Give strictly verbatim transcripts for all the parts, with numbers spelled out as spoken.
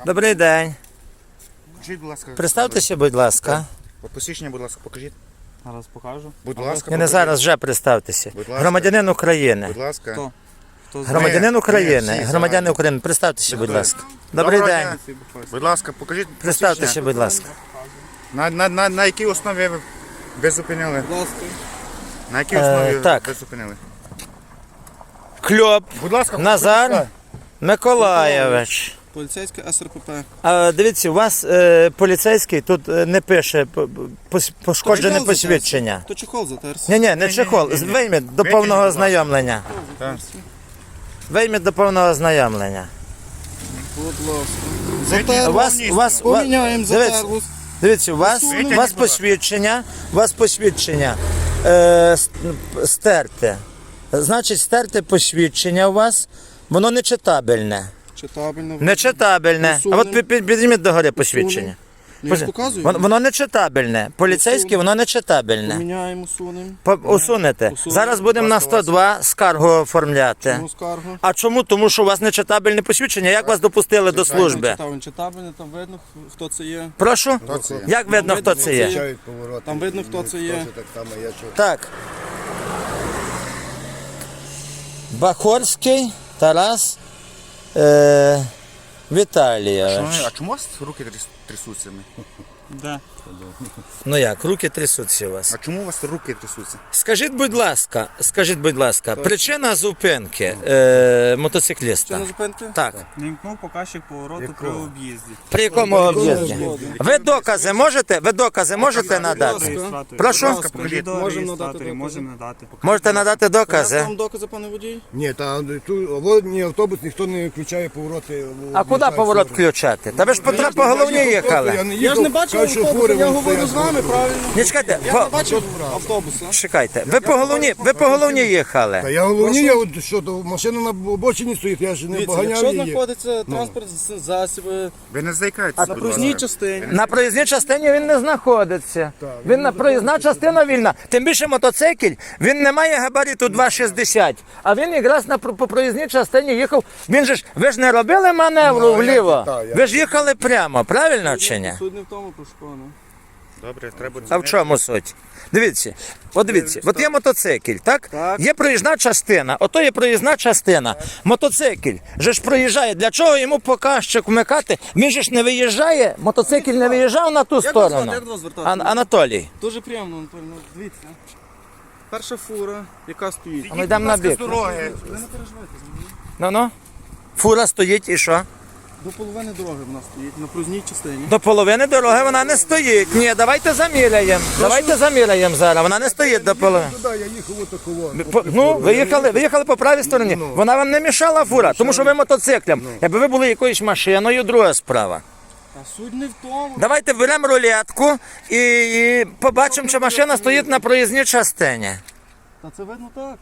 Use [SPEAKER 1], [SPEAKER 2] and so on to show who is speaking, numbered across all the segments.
[SPEAKER 1] Добрий день.
[SPEAKER 2] Покажіть, будь ласка.
[SPEAKER 1] Представтеся, будь ласка.
[SPEAKER 2] Посвідчення, будь ласка, покажіть.
[SPEAKER 3] Зараз покажу.
[SPEAKER 2] Будь ласка,
[SPEAKER 1] Я не зараз вже представтеся.
[SPEAKER 2] Будь ласка.
[SPEAKER 1] Громадянин України.
[SPEAKER 2] Будь ласка.
[SPEAKER 3] Хто? Хто
[SPEAKER 1] Громадянин
[SPEAKER 2] Ми-
[SPEAKER 1] України.
[SPEAKER 2] ми всі
[SPEAKER 1] Громадянин
[SPEAKER 2] знаємо.
[SPEAKER 1] України. Представтеся, будь ласка. Добрий
[SPEAKER 2] Доброго
[SPEAKER 1] день.
[SPEAKER 2] дня. Будь ласка, покажіть.
[SPEAKER 1] Представтеся,
[SPEAKER 2] посвідчення.
[SPEAKER 1] будь ласка.
[SPEAKER 2] На, на, на, на якій основі ви, ви зупинили?
[SPEAKER 3] Будь ласка.
[SPEAKER 2] На якій
[SPEAKER 1] Е,
[SPEAKER 2] основі
[SPEAKER 1] так.
[SPEAKER 2] ви зупинили?
[SPEAKER 1] Кльоп
[SPEAKER 2] Будь ласка,
[SPEAKER 1] Назар Миколаєвич.
[SPEAKER 3] Поліцейське ес ер пе пе.
[SPEAKER 1] А, дивіться, у вас е, поліцейський тут е, не пише п- пос- пошкоджене
[SPEAKER 3] Чехол
[SPEAKER 1] посвідчення.
[SPEAKER 3] затерся. То чехол затерся.
[SPEAKER 1] Ні, ні, не чехол. Вийміть до
[SPEAKER 2] Витягніть,
[SPEAKER 1] повного
[SPEAKER 2] будь ласка.
[SPEAKER 1] ознайомлення.
[SPEAKER 2] Так.
[SPEAKER 1] Вийміть до повного ознайомлення.
[SPEAKER 3] Будь ласка.
[SPEAKER 1] У
[SPEAKER 3] Затерло.
[SPEAKER 1] вас, у вас, у вас,
[SPEAKER 3] Поміняємо
[SPEAKER 1] дивіться,
[SPEAKER 3] затерло.
[SPEAKER 1] дивіться, у вас,
[SPEAKER 2] Витягніть,
[SPEAKER 1] у вас
[SPEAKER 2] будь ласка.
[SPEAKER 1] посвідчення, у вас посвідчення е, с- стерте. Значить, стерте посвідчення у вас, воно нечитабельне.
[SPEAKER 3] Читабельно.
[SPEAKER 1] Нечитабельне. А
[SPEAKER 3] Усунемо.
[SPEAKER 1] от пі- пі- підніміть догори посвідчення.
[SPEAKER 3] Ну, я ж показую.
[SPEAKER 1] Воно, воно нечитабельне. Поліцейське,
[SPEAKER 3] Усунемо.
[SPEAKER 1] воно нечитабельне.
[SPEAKER 3] Поміняємо, усунемо.
[SPEAKER 1] По- Усунете.
[SPEAKER 3] Усунемо.
[SPEAKER 1] Зараз будемо на сто два скаргу оформляти.
[SPEAKER 3] Чому скаргу?
[SPEAKER 1] А чому? Тому що у вас нечитабельне посвідчення. Як вас допустили до служби?
[SPEAKER 3] Читабельно, читабельно, там видно, хто це є.
[SPEAKER 1] Прошу?
[SPEAKER 2] Хто це є?
[SPEAKER 1] Як видно, хто це є?
[SPEAKER 4] Включають повороти.
[SPEAKER 3] Там видно, хто це є.
[SPEAKER 4] Так само є, що
[SPEAKER 1] Так. Бахорський Тарас е, Віталійович.
[SPEAKER 2] А чому у вас руки тряс- трясуться?
[SPEAKER 3] Де?
[SPEAKER 1] Ну як, руки трясуться у вас.
[SPEAKER 2] А чому у вас руки трясуться?
[SPEAKER 1] Скажіть, будь ласка, скажіть, будь ласка, причина зупинки е, мотоцикліста?
[SPEAKER 3] Що на зупинки?
[SPEAKER 1] Так.
[SPEAKER 5] Не вмкнув показчик повороту при об'їзді.
[SPEAKER 1] При якому об'їзді? Ви докази можете? Ви докази можете надати?
[SPEAKER 5] Реєстратор.
[SPEAKER 1] Прошу?
[SPEAKER 5] Будь ласка,
[SPEAKER 2] покажіть.
[SPEAKER 5] відео
[SPEAKER 3] Можемо
[SPEAKER 5] реєстраторі
[SPEAKER 3] надати
[SPEAKER 5] можемо надати.
[SPEAKER 1] Можете надати
[SPEAKER 3] Докази?
[SPEAKER 1] докази?
[SPEAKER 3] Вам докази, пане водій?
[SPEAKER 4] ні, та тут водний автобус ніхто не включає повороти.
[SPEAKER 1] А куди поворот включати? Та ви ж по, тра- по головні їхали.
[SPEAKER 3] Я ж не бачив автобуса, я говорю з вами, правильно?
[SPEAKER 1] Ні, чекайте,
[SPEAKER 3] Я
[SPEAKER 1] по-
[SPEAKER 3] не бачив автобуса.
[SPEAKER 1] чекайте, ви по головні, ви по головні
[SPEAKER 4] Та
[SPEAKER 1] їхали.
[SPEAKER 4] я головні, я от що, то машина на обочині стоїть, я ж не
[SPEAKER 3] Дивіться,
[SPEAKER 4] поганяв
[SPEAKER 3] якщо
[SPEAKER 4] її.
[SPEAKER 3] знаходиться транспорт засоби
[SPEAKER 2] Ви не заїкаєтеся,
[SPEAKER 3] на
[SPEAKER 2] будь
[SPEAKER 3] проїзній
[SPEAKER 2] ласка.
[SPEAKER 3] частині,
[SPEAKER 1] На проїзній частині він не знаходиться. Він на проїзна частина вільна. Тим більше мотоцикл, він не має габариту два шістдесят. А він якраз на про- по проїзній частині їхав. Він же ж, ви ж не робили маневру
[SPEAKER 4] Ну, а як
[SPEAKER 1] вліво.
[SPEAKER 4] це так, як
[SPEAKER 1] Ви ж їхали прямо, правильно чи ні?
[SPEAKER 3] суть не в тому, про що, ну.
[SPEAKER 2] Добре, треба
[SPEAKER 1] А в чому суть? Дивіться, от дивіться, от є мотоцикл, так?
[SPEAKER 3] Так.
[SPEAKER 1] Є проїзна частина, ото є проїзна частина. Мотоцикл же ж проїжджає. Для чого йому показчик вмикати? Він же ж не виїжджає, мотоцикл не виїжджав на ту
[SPEAKER 3] Як вас
[SPEAKER 1] сторону.
[SPEAKER 3] звати? Як до вас звертатися?
[SPEAKER 1] Ан- Анатолій.
[SPEAKER 3] Дуже приємно, Анатолій, ну, дивіться. Перша фура, яка стоїть.
[SPEAKER 1] А ми йдемо на бік.
[SPEAKER 2] дороги.
[SPEAKER 3] Ви не переживайте за мене.
[SPEAKER 1] Ну-ну. Фура стоїть і що?
[SPEAKER 3] До половини дороги вона стоїть, на проїзній частині.
[SPEAKER 1] До половини дороги вона не стоїть. Ні, давайте заміряємо. Давайте заміряємо зараз. Вона не стоїть до половини.
[SPEAKER 4] Туди я їхав отакого.
[SPEAKER 1] По- Ну, ви їхали, ви їхали по правій стороні. Вона вам не мішала фура, тому що ви мотоциклем. Якби ви були якоюсь машиною, друга справа.
[SPEAKER 3] А суть не в тому.
[SPEAKER 1] Давайте беремо рулетку і, і побачимо, чи машина стоїть на проїзній частині.
[SPEAKER 3] Та це видно так.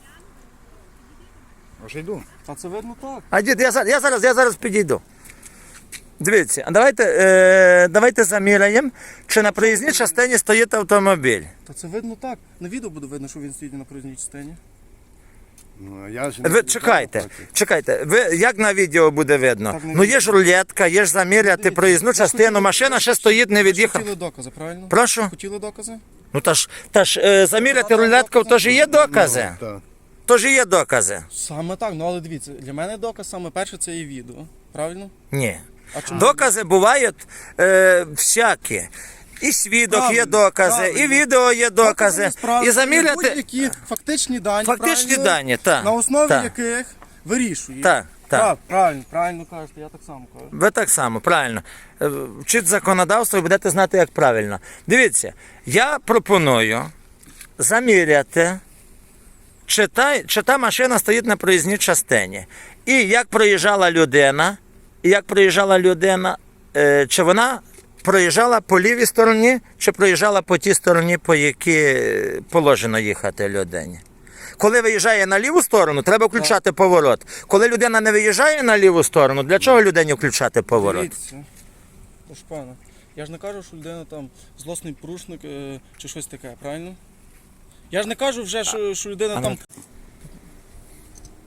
[SPEAKER 2] Вже йду.
[SPEAKER 3] Та це видно так.
[SPEAKER 1] А дід, я, зараз- я зараз, я зараз підійду. Дивіться, а давайте, е, давайте заміряємо, чи на проїзній частині стоїть автомобіль.
[SPEAKER 3] Та це видно так. На відео буде видно, що він стоїть на проїзній частині.
[SPEAKER 4] Ну, я ж не-
[SPEAKER 1] Ви чекайте, чекайте, ви як на відео буде видно?
[SPEAKER 3] Так, на
[SPEAKER 1] Ну є ж рулетка, є ж заміряти проїзну частину, машина ще стоїть, не від'їхала.
[SPEAKER 3] Хотіли докази, правильно?
[SPEAKER 1] Прошу?
[SPEAKER 3] Хотіли докази?
[SPEAKER 1] Ну та ж, та ж е, заміряти рулетку, то ж і є докази.
[SPEAKER 4] Так.
[SPEAKER 1] То ж і є докази.
[SPEAKER 3] Саме так, ну але дивіться, для мене доказ саме перше це є відео. Правильно?
[SPEAKER 1] Ні.
[SPEAKER 3] А чому?
[SPEAKER 1] Докази бувають е, всякі. І свідок є
[SPEAKER 3] Правильно,
[SPEAKER 1] докази,
[SPEAKER 3] правильно.
[SPEAKER 1] і відео є докази.
[SPEAKER 3] Справді,
[SPEAKER 1] І заміряти.
[SPEAKER 3] будь-які фактичні дані,
[SPEAKER 1] Фактичні
[SPEAKER 3] правильно?
[SPEAKER 1] дані, так.
[SPEAKER 3] На основі
[SPEAKER 1] так.
[SPEAKER 3] яких вирішує.
[SPEAKER 1] Так, так.
[SPEAKER 3] Так, правильно, правильно кажете, я так само кажу.
[SPEAKER 1] Ви так само, правильно. Е, Вчіть законодавство і будете знати, як правильно. Дивіться, я пропоную заміряти, чи та, чи та машина стоїть на проїзній частині. І як проїжджала людина, і як проїжджала людина, е, чи вона проїжджала по лівій стороні, чи проїжджала по тій стороні, по якій положено їхати людині. Коли виїжджає на ліву сторону, треба включати поворот. Коли людина не виїжджає на ліву сторону, для чого людині включати поворот?
[SPEAKER 3] Дивіться, тож пане, я ж не кажу, що людина там злосний порушник е, чи щось таке, правильно? Я ж не кажу вже, що, що людина там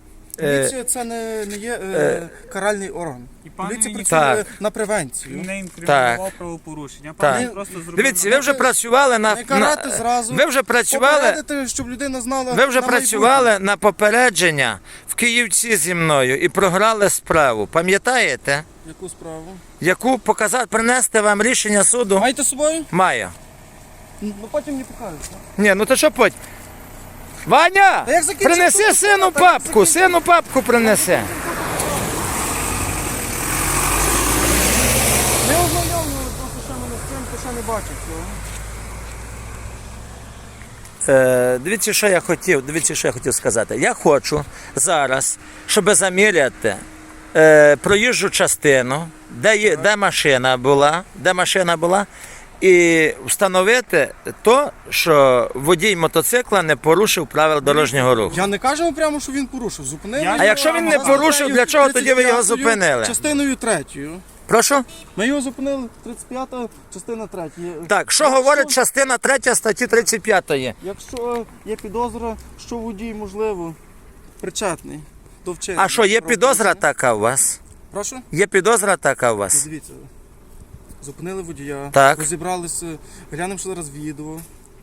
[SPEAKER 3] Поліція це не, не є е, каральний орган.
[SPEAKER 5] І пан
[SPEAKER 3] Поліція
[SPEAKER 5] він
[SPEAKER 3] працює
[SPEAKER 1] Так.
[SPEAKER 3] на превенцію.
[SPEAKER 5] не інкримінував правопорушення.
[SPEAKER 1] Так.
[SPEAKER 5] Пан він просто зробив.
[SPEAKER 1] Дивіться, ви вже працювали на,
[SPEAKER 3] Не карати
[SPEAKER 1] на
[SPEAKER 3] зразу.
[SPEAKER 1] ви вже працювали.
[SPEAKER 3] Попередити, щоб людина знала.
[SPEAKER 1] Ви вже
[SPEAKER 3] на
[SPEAKER 1] працювали на попередження в Київці зі мною і програли справу. Пам'ятаєте?
[SPEAKER 3] майбутнє. Яку справу?
[SPEAKER 1] Яку показати, принести вам рішення суду?
[SPEAKER 3] Маєте з собою?
[SPEAKER 1] Маю.
[SPEAKER 3] Ну потім не покажете.
[SPEAKER 1] Ні, ну то що потім? Ваня!
[SPEAKER 3] Та як закінчив
[SPEAKER 1] Принеси
[SPEAKER 3] суд,
[SPEAKER 1] сину
[SPEAKER 3] та як
[SPEAKER 1] папку, сину папку принеси.
[SPEAKER 3] Не ознайомлювали, просто ще мене з цим, то ще не бачив цього.
[SPEAKER 1] Е, дивіться, що я хотів, дивіться, що я хотів сказати. Я хочу зараз, щоб заміряти е, проїжджу частину, де, є, де машина була, де машина була, і встановити то, що водій мотоцикла не порушив правил дорожнього руху.
[SPEAKER 3] Я не кажу прямо, що він порушив. Зупинили.
[SPEAKER 5] Я-
[SPEAKER 3] його,
[SPEAKER 1] А якщо він не
[SPEAKER 3] за
[SPEAKER 1] порушив,
[SPEAKER 3] статтею
[SPEAKER 1] для чого тоді ви його
[SPEAKER 3] тридцять п'ятою,
[SPEAKER 1] зупинили?
[SPEAKER 3] Частиною третьою.
[SPEAKER 1] Прошу?
[SPEAKER 3] Ми його зупинили тридцять п'ята, частина третя.
[SPEAKER 1] Так, що говорить частина третя статті тридцять п'ятої?
[SPEAKER 3] Якщо є підозра, що водій, можливо, причетний до вчинення.
[SPEAKER 1] А що, є підозра
[SPEAKER 3] правопорушення.
[SPEAKER 1] така у вас?
[SPEAKER 3] Прошу?
[SPEAKER 1] Є підозра така у
[SPEAKER 3] Ну,
[SPEAKER 1] вас?
[SPEAKER 3] дивіться. Зупинили водія,
[SPEAKER 1] Так.
[SPEAKER 3] розібралися, глянемо ще зараз відео,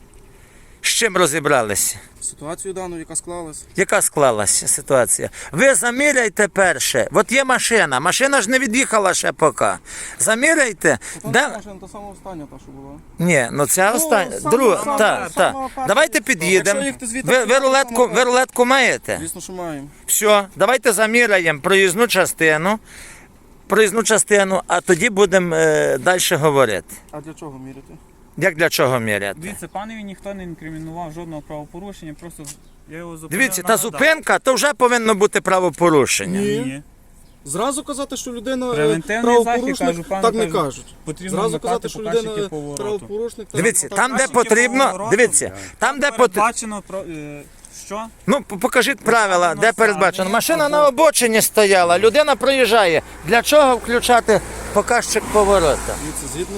[SPEAKER 1] З чим розібралися?
[SPEAKER 3] ситуацію дану, яка склалась.
[SPEAKER 1] Яка склалася ситуація? Ви заміряйте перше. От є машина. Машина ж не від'їхала ще поки. Заміряйте.
[SPEAKER 3] Там
[SPEAKER 1] Де...
[SPEAKER 3] машина, та сама остання, та що була.
[SPEAKER 1] Ні, ну ця
[SPEAKER 3] Ну,
[SPEAKER 1] остання.
[SPEAKER 3] саме-
[SPEAKER 1] Друга.
[SPEAKER 3] саме-
[SPEAKER 1] Так,
[SPEAKER 3] саме
[SPEAKER 1] так.
[SPEAKER 3] перша.
[SPEAKER 1] Давайте під'їдемо.
[SPEAKER 3] Якщо їхати звідти,
[SPEAKER 1] Ви, ви,
[SPEAKER 3] то
[SPEAKER 1] рулетку,
[SPEAKER 3] саме
[SPEAKER 1] ви
[SPEAKER 3] перша.
[SPEAKER 1] рулетку маєте?
[SPEAKER 3] Звісно, що маємо.
[SPEAKER 1] Все, давайте заміряємо проїзну частину. Проїзну частину, а тоді будемо е, далі говорити.
[SPEAKER 3] А для чого міряти?
[SPEAKER 1] Як для чого міряти?
[SPEAKER 5] Дивіться, панові ніхто не інкримінував жодного правопорушення, просто я його зупинив.
[SPEAKER 1] Дивіться, та
[SPEAKER 5] нагадав.
[SPEAKER 1] зупинка, то вже повинно бути правопорушення.
[SPEAKER 3] Ні.
[SPEAKER 5] Ні.
[SPEAKER 3] Зразу казати, що людина е,
[SPEAKER 5] Превентивний
[SPEAKER 3] правопорушник,
[SPEAKER 5] захід, кажу, пане,
[SPEAKER 3] так не
[SPEAKER 5] кажу.
[SPEAKER 3] кажуть.
[SPEAKER 5] Потрібно
[SPEAKER 3] Зразу
[SPEAKER 5] вмикати
[SPEAKER 3] казати, що
[SPEAKER 5] показчики
[SPEAKER 3] людина
[SPEAKER 5] повороту.
[SPEAKER 3] правопорушник. так-
[SPEAKER 1] Дивіться,
[SPEAKER 3] так-
[SPEAKER 1] там, де
[SPEAKER 5] Показчики
[SPEAKER 1] потрібно,
[SPEAKER 5] повороту.
[SPEAKER 1] дивіться, там, де потрібно.
[SPEAKER 5] Передбачено про е, що?
[SPEAKER 1] Ну, п- покажіть правила,
[SPEAKER 5] Вказано
[SPEAKER 1] де передбачено.
[SPEAKER 5] саме,
[SPEAKER 1] Машина
[SPEAKER 5] або-
[SPEAKER 1] на обочині стояла, людина проїжджає. Для чого включати показчик поворота?
[SPEAKER 3] Дивіться, згідно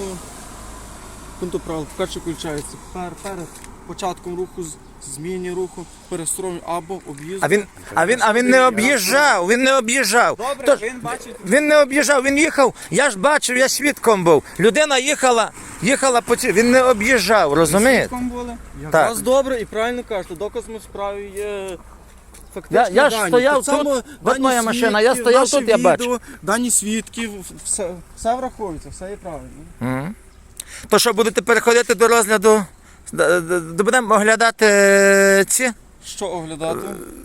[SPEAKER 3] пункту правил, показчик включається пер, перед початком руху, з- зміні руху, перестроєння або об'їзду.
[SPEAKER 1] А він, а він, а він не об'їжджав, він не об'їжджав.
[SPEAKER 5] Добре,
[SPEAKER 1] Тож,
[SPEAKER 5] він бачить.
[SPEAKER 1] він не об'їжджав, він їхав, я ж бачив, я свідком був. Людина їхала, їхала по цій, він не об'їжджав, розумієте?
[SPEAKER 5] Свідком були.
[SPEAKER 1] Так.
[SPEAKER 3] Вас добре і правильно кажете, доказами в справі є фактичні
[SPEAKER 1] Я- я ж
[SPEAKER 3] дані.
[SPEAKER 1] стояв
[SPEAKER 3] Так само
[SPEAKER 1] тут, от
[SPEAKER 3] дані
[SPEAKER 1] моя машина, я
[SPEAKER 3] свідків,
[SPEAKER 1] стояв
[SPEAKER 3] наші
[SPEAKER 1] тут, я
[SPEAKER 3] відео,
[SPEAKER 1] бачу.
[SPEAKER 3] Дані свідків, все, все враховується, все є правильно.
[SPEAKER 1] Мгм. То що, будете переходити до розгляду, Д- д- д- будемо оглядати е, ці
[SPEAKER 3] Що оглядати?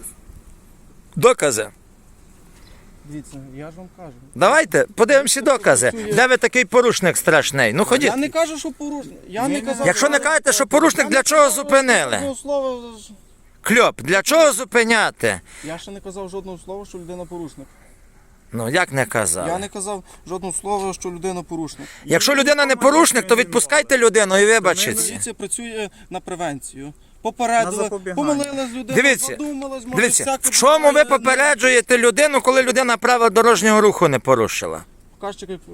[SPEAKER 1] докази.
[SPEAKER 3] Дивіться, я ж вам кажу.
[SPEAKER 1] Давайте, подивимося докази. Де ви такий порушник страшний? Ну ходіть.
[SPEAKER 3] Я не кажу, що порушник. Я не казав.
[SPEAKER 1] Якщо не кажете, що порушник,
[SPEAKER 3] Я
[SPEAKER 1] для
[SPEAKER 3] не
[SPEAKER 1] чого
[SPEAKER 3] казав
[SPEAKER 1] зупинили?
[SPEAKER 3] жодного слова.
[SPEAKER 1] Кльоп, для чого зупиняти?
[SPEAKER 3] Я ще не казав жодного слова, що людина порушник.
[SPEAKER 1] Ну як не казав?
[SPEAKER 3] Я не казав жодного слова, що людина порушник.
[SPEAKER 1] Якщо людина не порушник, то відпускайте людину і вибачиться.
[SPEAKER 3] Поліція працює на превенцію.
[SPEAKER 5] На
[SPEAKER 3] Попередила,
[SPEAKER 5] запобігання.
[SPEAKER 3] помилилась людина,
[SPEAKER 1] Дивіться,
[SPEAKER 3] задумалась, може,
[SPEAKER 1] Дивіться,
[SPEAKER 3] всяке
[SPEAKER 1] в чому ви
[SPEAKER 3] буває,
[SPEAKER 1] попереджуєте людину, коли людина правил дорожнього руху не порушила?
[SPEAKER 3] Показчики, е,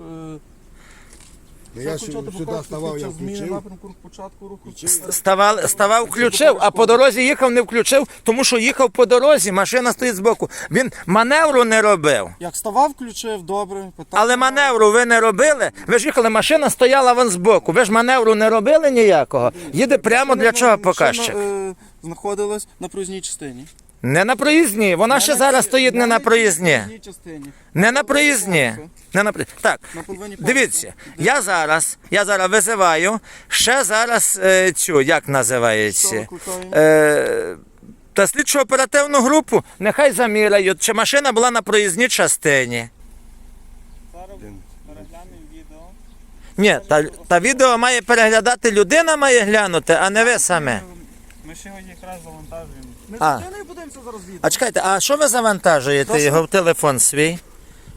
[SPEAKER 4] Ну, я
[SPEAKER 3] все
[SPEAKER 4] ж
[SPEAKER 3] включати
[SPEAKER 4] сюди
[SPEAKER 3] показчики,
[SPEAKER 4] ставав, я
[SPEAKER 3] час зміни
[SPEAKER 4] включив.
[SPEAKER 3] напрямку руху, початку руху.
[SPEAKER 1] Ставав, ставав, включив, а по дорозі їхав, не включив, тому що їхав по дорозі, машина стоїть збоку. Він маневру не робив.
[SPEAKER 3] Як ставав, включив, добре. Питання.
[SPEAKER 1] Але маневру ви не робили. Ви ж їхали, машина стояла вон збоку. Ви ж маневру не робили ніякого. Їде прямо для чого показчик?
[SPEAKER 3] Машина, е, знаходилась на проїзній частині.
[SPEAKER 1] Не на проїзній. Вона ще зараз стоїть не на проїзній.
[SPEAKER 3] частині.
[SPEAKER 1] Не на проїзній. Не на при- Так,
[SPEAKER 3] На половині
[SPEAKER 1] дивіться, я зараз, я зараз визиваю ще зараз е, цю, як
[SPEAKER 3] Що
[SPEAKER 1] називається?
[SPEAKER 3] викликаємо?
[SPEAKER 1] Е, та слідчу оперативну групу, нехай заміряють, чи машина була на проїзній частині.
[SPEAKER 5] Зараз переглянемо відео.
[SPEAKER 1] Ні, та, та відео має переглядати людина, має глянути, а не ви саме.
[SPEAKER 5] Ми ще його якраз завантажуємо.
[SPEAKER 3] Ми
[SPEAKER 1] А.
[SPEAKER 3] з людиною подивимося зараз відео.
[SPEAKER 1] А чекайте, а що ви завантажуєте
[SPEAKER 3] Прошу?
[SPEAKER 1] його в телефон свій?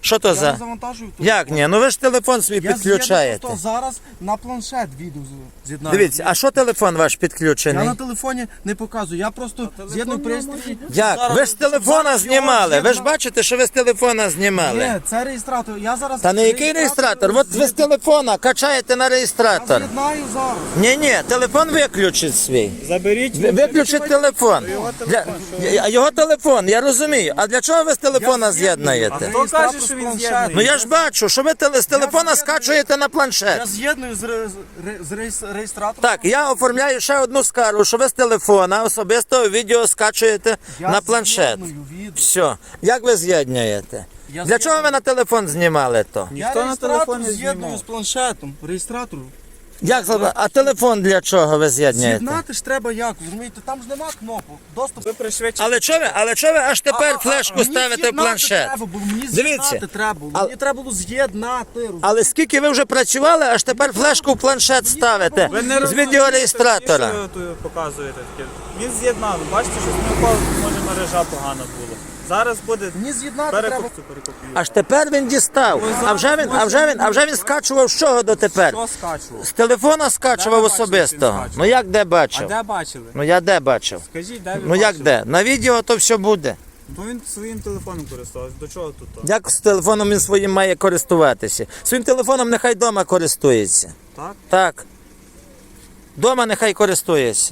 [SPEAKER 1] Що то
[SPEAKER 3] Я
[SPEAKER 1] за.
[SPEAKER 3] не завантажую телефон.
[SPEAKER 1] Як ні? Ну ви ж телефон свій
[SPEAKER 3] Я
[SPEAKER 1] підключаєте.
[SPEAKER 3] з'єдную просто зараз на планшет відео з- з'єднаю.
[SPEAKER 1] Дивіться, а що телефон ваш
[SPEAKER 3] Я
[SPEAKER 1] підключений?
[SPEAKER 3] на телефоні не показую, я просто з'єдную пристрій.
[SPEAKER 1] Як?
[SPEAKER 3] Зараз-
[SPEAKER 1] Ви з телефона
[SPEAKER 3] зараз
[SPEAKER 1] знімали.
[SPEAKER 3] його
[SPEAKER 1] Ви ж
[SPEAKER 3] з'єдна-
[SPEAKER 1] бачите, що ви з телефона знімали.
[SPEAKER 3] Ні, це реєстратор. Я зараз
[SPEAKER 1] Та не який реєстратор? От ви з телефона качаєте на
[SPEAKER 3] Я
[SPEAKER 1] реєстратор.
[SPEAKER 3] з'єднаю зараз.
[SPEAKER 1] Ні, ні, телефон виключить свій.
[SPEAKER 5] Заберіть.
[SPEAKER 1] Ви- Виключить телефон. Для... А його телефон, я розумію. А для чого ви з телефона з'єднуєте?
[SPEAKER 5] Хто каже, що він з'єднаний?
[SPEAKER 1] Ну я ж бачу, що ви теле- з телефона скачуєте на планшет.
[SPEAKER 3] Я з'єдную з, ре- з ре- з реєс- реєстратором.
[SPEAKER 1] Так, я оформляю ще одну скаргу, що ви з телефона особисто відео скачуєте
[SPEAKER 3] Я
[SPEAKER 1] на планшет.
[SPEAKER 3] з'єдную відео.
[SPEAKER 1] Все. Як ви з'єднуєте?
[SPEAKER 3] Я
[SPEAKER 1] Для чого ви на телефон знімали то?
[SPEAKER 3] Я
[SPEAKER 5] Ніхто на
[SPEAKER 3] реєстратор
[SPEAKER 5] телефон не
[SPEAKER 3] з'єдную
[SPEAKER 5] знімав.
[SPEAKER 3] з планшетом. Реєстратор.
[SPEAKER 1] Як за- А телефон для чого ви з'єднуєте?
[SPEAKER 3] З'єднати ж треба як, розумієте, там ж нема кнопок. Доступ.
[SPEAKER 5] Ви пришвидшите.
[SPEAKER 1] Але чого ви, але чого ви аж тепер
[SPEAKER 3] А, а,
[SPEAKER 1] флешку
[SPEAKER 3] мені
[SPEAKER 1] ставите в
[SPEAKER 3] з'єднати
[SPEAKER 1] планшет?
[SPEAKER 3] Треба, було, мені
[SPEAKER 1] Дивіться,
[SPEAKER 3] з'єднати треба було.
[SPEAKER 1] але-
[SPEAKER 3] Мені треба було з'єднати. розумієте?
[SPEAKER 1] Але скільки ви вже працювали, аж тепер флешку в планшет ставите
[SPEAKER 5] Ви не
[SPEAKER 1] з
[SPEAKER 5] розумієте,
[SPEAKER 1] відеореєстратора.
[SPEAKER 5] що ви тут показуєте таке. Він з'єднав. Бачите, що з нього може мережа погана була. Зараз буде
[SPEAKER 3] Мені з'єднати треба.
[SPEAKER 5] перекопцю перекопію.
[SPEAKER 1] Аж тепер він дістав. А вже він, а вже він, а вже він скачував з чого дотепер?
[SPEAKER 5] Що скачував?
[SPEAKER 1] З телефона скачував
[SPEAKER 5] Де ви бачили,
[SPEAKER 1] особисто.
[SPEAKER 5] що він скачував?
[SPEAKER 1] Ну як де
[SPEAKER 5] А
[SPEAKER 1] бачив?
[SPEAKER 5] де бачили?
[SPEAKER 1] Ну я де бачив?
[SPEAKER 5] Скажіть, де ви
[SPEAKER 1] Ну як
[SPEAKER 5] бачили?
[SPEAKER 1] де? На відео то все буде.
[SPEAKER 5] То він своїм телефоном користувався. До чого тут? то?
[SPEAKER 1] Як з телефоном він своїм має користуватися? Своїм телефоном нехай вдома користується.
[SPEAKER 5] Так?
[SPEAKER 1] Так. Дома нехай користується.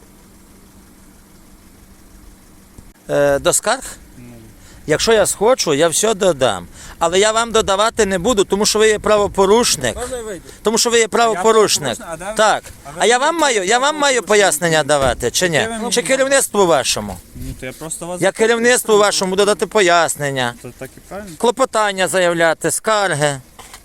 [SPEAKER 1] Е, до скарг? Якщо я схочу, я все додам. Але я вам додавати не буду, тому що ви є правопорушник.
[SPEAKER 5] Можна я вийду?
[SPEAKER 1] Тому що ви є правопорушник.
[SPEAKER 5] правопорушник, а де ви-
[SPEAKER 1] Так.
[SPEAKER 5] а ви
[SPEAKER 1] А я
[SPEAKER 5] не
[SPEAKER 1] вам маю, я вам маю пояснення давати, чи ні?
[SPEAKER 5] Де ви мені
[SPEAKER 1] Чи керівництву вашому?
[SPEAKER 5] Ну то я просто вас...
[SPEAKER 1] Я керівництву вашому додати пояснення,
[SPEAKER 5] То так і правильно?
[SPEAKER 1] клопотання заявляти, скарги.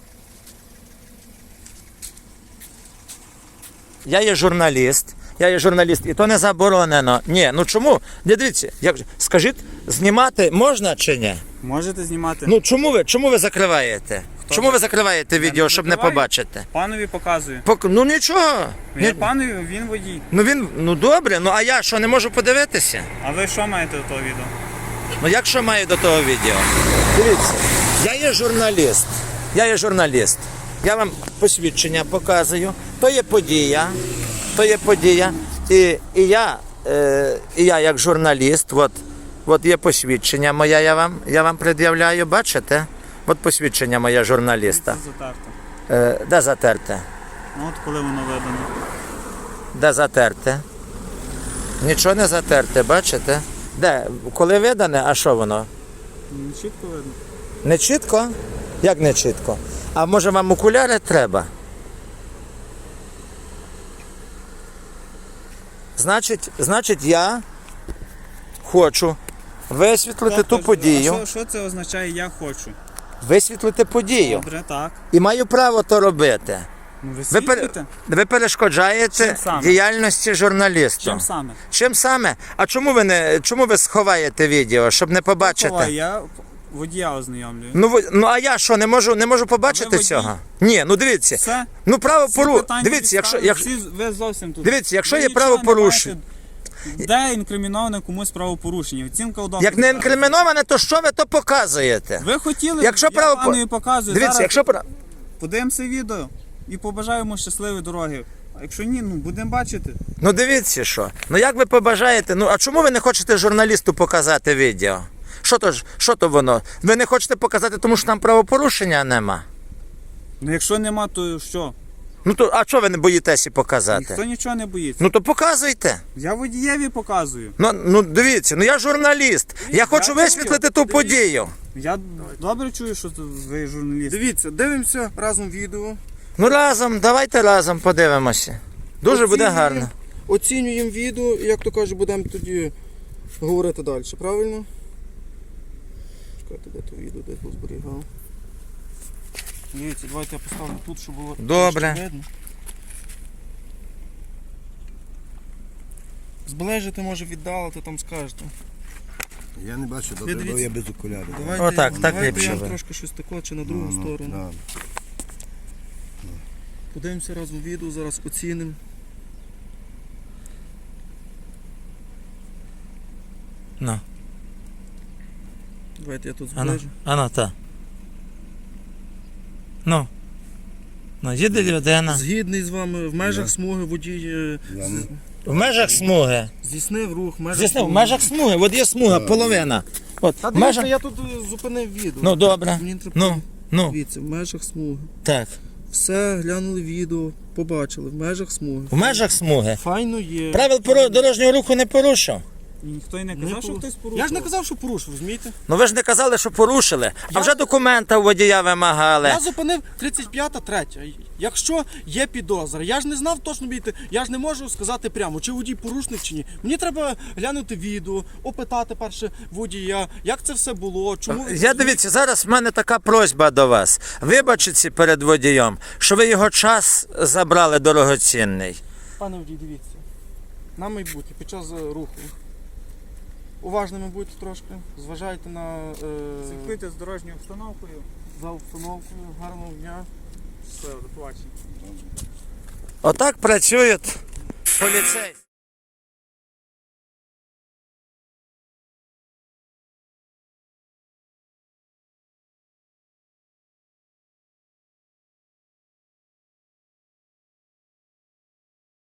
[SPEAKER 1] Я є журналіст. Я є журналіст, і то не заборонено. Ні, ну чому? Не дивіться, як же- скажіть, знімати можна чи ні?
[SPEAKER 5] Можете знімати.
[SPEAKER 1] Ну чому ви чому ви закриваєте? Чому ви закриваєте відео, щоб не
[SPEAKER 5] закриваю.
[SPEAKER 1] побачити?
[SPEAKER 5] Панові показую.
[SPEAKER 1] Пок... Ну нічого.
[SPEAKER 5] Я
[SPEAKER 1] Ні...
[SPEAKER 5] панові, він водій.
[SPEAKER 1] Ну він, ну добре, ну а я що, не можу подивитися?
[SPEAKER 5] А ви що маєте до того відео?
[SPEAKER 1] Ну як що маю до того відео? Дивіться, я є журналіст. Я є журналіст. Я вам посвідчення показую. То є подія. То є подія. І, і, я, е, і я як журналіст, от, от є посвідчення моє, я вам, я вам пред'являю, бачите? От посвідчення моє журналіста.
[SPEAKER 5] Це затерто.
[SPEAKER 1] Е, де затерте?
[SPEAKER 5] Ну от коли воно видано.
[SPEAKER 1] Де затерте? Нічого не затерте, бачите? Де? Коли видане, а що воно?
[SPEAKER 5] Ну, чітко видно.
[SPEAKER 1] Не чітко? Як не чітко? А може вам окуляри треба? Значить, значить я хочу висвітлити ту
[SPEAKER 5] Тобто,
[SPEAKER 1] подію.
[SPEAKER 5] а Що, що це означає я хочу?
[SPEAKER 1] Висвітлити подію.
[SPEAKER 5] Добре, так.
[SPEAKER 1] І маю право то робити.
[SPEAKER 5] Ну, ви
[SPEAKER 1] Ви, пер...
[SPEAKER 5] світлите?
[SPEAKER 1] ви перешкоджаєте
[SPEAKER 5] Чим саме?
[SPEAKER 1] діяльності журналіста.
[SPEAKER 5] Чим саме?
[SPEAKER 1] Чим саме? А чому ви не чому ви сховаєте відео, щоб не побачити?
[SPEAKER 5] Ховай, я водія ознайомлюю.
[SPEAKER 1] Ну, ви- ну а я що, не можу, не можу побачити
[SPEAKER 5] А ви водій?
[SPEAKER 1] цього? Ні, ну дивіться.
[SPEAKER 5] Все?
[SPEAKER 1] Ну право
[SPEAKER 5] Всі
[SPEAKER 1] пору.
[SPEAKER 5] питання
[SPEAKER 1] Дивіться, якщо,
[SPEAKER 5] відставлені,
[SPEAKER 1] якщо
[SPEAKER 5] всі- ви зовсім тут.
[SPEAKER 1] Дивіться, якщо
[SPEAKER 5] Ви
[SPEAKER 1] є
[SPEAKER 5] нічого не
[SPEAKER 1] правопорушення-
[SPEAKER 5] бачите, де інкриміноване комусь правопорушення? Оцінка удобна.
[SPEAKER 1] як не інкриміноване, то що ви то показуєте?
[SPEAKER 5] Ви хотіли,
[SPEAKER 1] Якщо
[SPEAKER 5] я
[SPEAKER 1] право-
[SPEAKER 5] панові показую.
[SPEAKER 1] Дивіться,
[SPEAKER 5] Зараз
[SPEAKER 1] якщо пра-
[SPEAKER 5] подивимося відео і побажаємо щасливої дороги. А якщо ні, ну будемо бачити.
[SPEAKER 1] ну дивіться що. Ну як ви побажаєте? Ну а чому ви не хочете журналісту показати відео? Що то ж, що то воно? Ви не хочете показати, тому що там правопорушення нема.
[SPEAKER 5] Ну якщо нема, то що?
[SPEAKER 1] Ну то а чого ви не боїтеся показати?
[SPEAKER 5] Ніхто нічого не боїться.
[SPEAKER 1] Ну то показуйте.
[SPEAKER 5] Я водієві показую.
[SPEAKER 1] Ну, ну дивіться, ну я журналіст. Я хочу
[SPEAKER 5] чую.
[SPEAKER 1] висвітлити ту подію.
[SPEAKER 5] Я добре чую, що ви журналіст.
[SPEAKER 3] Дивіться, дивимося разом відео.
[SPEAKER 1] Ну разом, давайте разом подивимося. Дуже буде
[SPEAKER 3] Оцінюємо-
[SPEAKER 1] гарно.
[SPEAKER 3] Оцінюємо відео і, як то кажуть, будемо тоді говорити далі, правильно? Чекайте, де то відео, де я зберігав. Дивіться, давайте я поставлю тут, щоб було
[SPEAKER 1] Добре.
[SPEAKER 3] трошки видно. Зближити, може віддалити, там скажете.
[SPEAKER 4] Я не бачу, добре,
[SPEAKER 3] дивіться.
[SPEAKER 4] бо я без окулярів.
[SPEAKER 3] Давайте,
[SPEAKER 1] Отак, так
[SPEAKER 3] давайте
[SPEAKER 1] ліпше
[SPEAKER 3] я
[SPEAKER 1] ви.
[SPEAKER 3] трошки щось таке, чи на другу
[SPEAKER 4] Ну,
[SPEAKER 3] сторону.
[SPEAKER 4] да.
[SPEAKER 3] Подивимося разом відео, зараз оцінимо.
[SPEAKER 1] Ну,
[SPEAKER 3] Давайте я тут
[SPEAKER 1] ано,
[SPEAKER 3] зближу.
[SPEAKER 1] ано, та. Ну. Ну, їде людина.
[SPEAKER 3] Згідний з вами, в межах смуги водій е,
[SPEAKER 4] Я не-
[SPEAKER 1] В межах смуги.
[SPEAKER 3] здійснив рух, в межах
[SPEAKER 1] Звісно, в
[SPEAKER 3] смуги.
[SPEAKER 1] межах смуги, от є смуга, половина. От,
[SPEAKER 3] Та
[SPEAKER 1] в
[SPEAKER 3] дивіться,
[SPEAKER 1] межах...
[SPEAKER 3] я тут е, зупинив відео.
[SPEAKER 1] Ну, добре.
[SPEAKER 3] Мені треба-
[SPEAKER 1] Ну, ну,
[SPEAKER 3] Дивіться, в межах смуги.
[SPEAKER 1] так.
[SPEAKER 3] Все, глянули відео, побачили, в межах смуги.
[SPEAKER 1] В межах смуги.
[SPEAKER 3] Файно є.
[SPEAKER 1] Правил поро- дорожнього руху не порушив.
[SPEAKER 5] І ніхто й не
[SPEAKER 3] Не
[SPEAKER 5] казав, що
[SPEAKER 3] порушив.
[SPEAKER 5] хтось порушив.
[SPEAKER 3] Я ж не казав, що порушив, розумієте?
[SPEAKER 1] Ну ви ж не казали, що порушили, а
[SPEAKER 3] Я-
[SPEAKER 1] вже документа у водія вимагали.
[SPEAKER 3] Я зупинив тридцять п'ята третя. Якщо є підозра, я ж не знав точно бійти, я ж не можу сказати прямо, чи водій порушник, чи ні. Мені треба глянути відео, опитати перше водія, як це все було, чому...
[SPEAKER 1] Я дивіться, зараз в мене така просьба до вас. Вибачіться перед водієм, що ви його час забрали дорогоцінний.
[SPEAKER 3] Пане водій, дивіться, на майбутнє, під час е, руху. Уважними будьте трошки, зважайте на е,
[SPEAKER 5] Слідкуйте з дорожньою обстановкою.
[SPEAKER 3] за обстановкою, гарного дня.
[SPEAKER 5] Все, до побачення.
[SPEAKER 1] Отак працюють поліцейські.